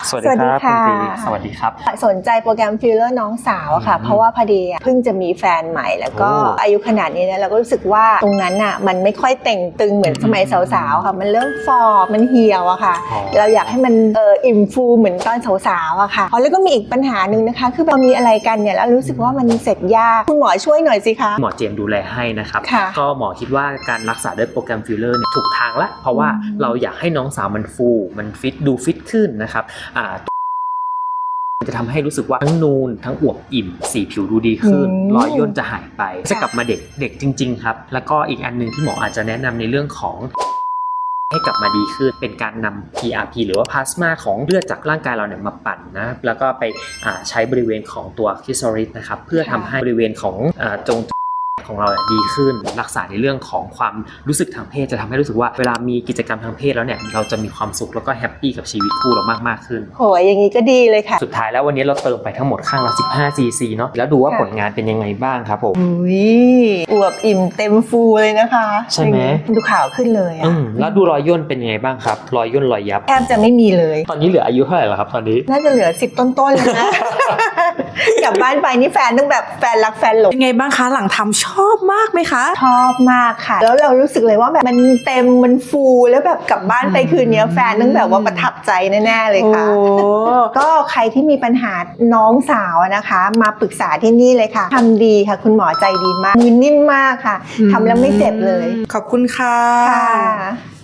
สวัสดีครับคุณจีสวัสดีครับสนใจโปรแกรมฟิลเลอร์น้องสาวอะค่ะเพราะว่าพอดีเพิ่งจะมีแฟนใหม่แล้วก็อายุขนาดนี้นะเราก็รู้สึกว่าตรงนั้นอะมันไม่ค่อยเต่งตึงเหมือนสมัยสาวๆค่ะมันเริ่มฟอร์มันเหี่ยวอะค่ะเราอยากให้มันอิ่มฟูเหมือนตอนสาวๆอะค่ะแล้วก็มีอีกปัญหาหนึ่งนะคะคือเรามีอะไรกันเนี่ยแล้วรู้สึกว่ามันเสร็จยากคุณหมอช่วยหน่อยสิคะหมอเจมดูแลให้นะครับก็หมอคิดว่าการรักษาด้วยโปรแกรมฟิลเลอร์ถูกทางละเพราะว่าเราอยากให้น้องสาวมันฟูมันฟิตดูฟิตขึ้นนะครับจะทำให้รู้สึกว่าทั้งนูนทั้งอวบอิ่มสีผิวดูดีขึ้นรอยย่นจะหายไปจะกลับมาเด็กจริงๆครับแล้วก็อีกอันนึงที่หมออาจจะแนะนำในเรื่องของให้กลับมาดีขึ้นเป็นการนำ PRP หรือว่าพลาสมาของเลือดจากร่างกายเราเนี่ยมาปั่นนะแล้วก็ไปใช้บริเวณของตัวคริสโตริสนะครับเพื่อทำให้บริเวณของจงของเราดีขึ้นรักษาในเรื่องของความรู้สึกทางเพศจะทำให้รู้สึกว่าเวลามีกิจกรรมทางเพศแล้วเนี่ยเราจะมีความสุขแล้วก็แฮปปี้กับชีวิตคู่เรามากขึ้นโหยอย่างนี้ก็ดีเลยค่ะสุดท้ายแล้ววันนี้เราเติมไปทั้งหมดข้างละ15 cc เนาะแล้วดูว่าผลงานเป็นยังไงบ้างครับผมอวบอิ่มเต็มฟูเลยนะคะใช่ไหมดูขาวขึ้นเลยแล้วดูรอยย่นเป็นยังไงบ้างครับรอยย่นรอยยับแทบจะไม่มีเลยตอนนี้เหลืออายุเท่าไหร่แล้วครับตอนนี้น่าจะเหลือ10ต้นๆเลยนะกลับบ้านไปนี่แฟนต้องแบบแฟนรักแฟนหลงเป็นไงบ้างคะหลังทำชอบมากไหมคะชอบมากค่ะแล้วเรารู้สึกเลยว่าแบบมันเต็มมันฟูแล้วแบบกลับบ้านไปคืนนี้แฟนต้องแบบว่าประทับใจแน่ๆเลยค่ะก็ใครที่มีปัญหาน้องสาวนะคะมาปรึกษาที่นี่เลยค่ะทำดีค่ะคุณหมอใจดีมากมือนิ่มมากค่ะทำแล้วไม่เจ็บเลยขอบคุณค่ะ